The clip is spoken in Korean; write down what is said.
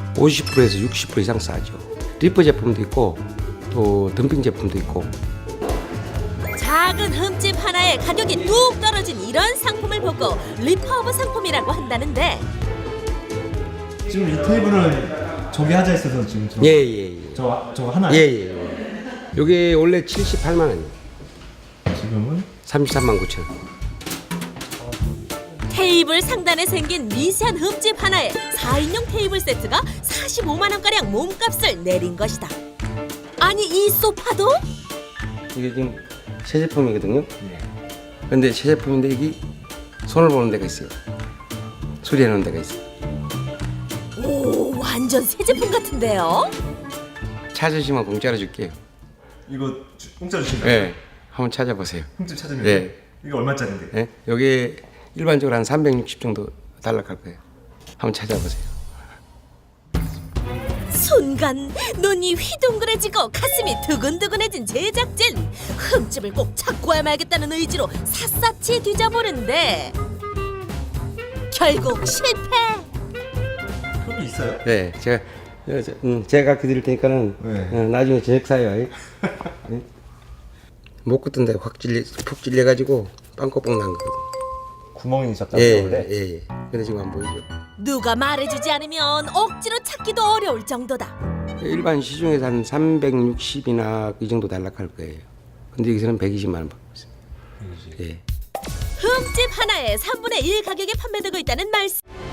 50%에서 60% 이상 싸죠. 리퍼 제품도 있고 또 덤핑 제품도 있고. 작은 흠집 하나에 가격이 뚝 떨어진 이런 상품을 보고 리퍼브 상품이라고 한다는데 지금 이 테이블은 저기 하자 있어서 지금 예예예. 저거 하나요? 예예. 여기 원래 78만 원이에요. 지금은 33만 9천 원. 테이블 상단에 생긴 미세한 흠집 하나에 4인용 테이블 세트가 45만 원가량 몸값을 내린 것이다. 아니 이 소파도? 이게 지금 새 제품이거든요. 근데 새 제품인데 이게 손을 보는 데가 있어요. 수리해 놓은 데가 있어요. 오 완전 새 제품 같은데요? 찾으시면 공짜로 줄게요. 이거 공짜 주신가요? 네, 한번 찾아보세요. 흠집 찾으면 네. 이거 얼마짜리인데? 네? 여기 일반적으로 한 360 정도 달락할 거예요. 한번 찾아보세요. 순간 눈이 휘둥그레지고 가슴이 두근두근해진 제작진. 흠집을 꼭 찾고 야 말겠다는 의지로 샅샅이 뒤져보는데 결국 실패. 흠이 있어요? 네, 제가 드릴 테니까는 네. 나중에 저녁 사요. 네? 못 걷던 데 푹 찔려가지고 빵꾸뻥 난 거거든요. 구멍이 있었다고 예, 원래? 예, 예. 근데 지금 안 보이죠? 누가 말해주지 않으면 억지로 찾기도 어려울 정도다. 일반 시중에서 한 360이나 이 정도 달락할 거예요. 근데 여기서는 120만 원 받고 있어요. 예. 흠집 하나에 3분의 1 가격에 판매되고 있다는 말씀.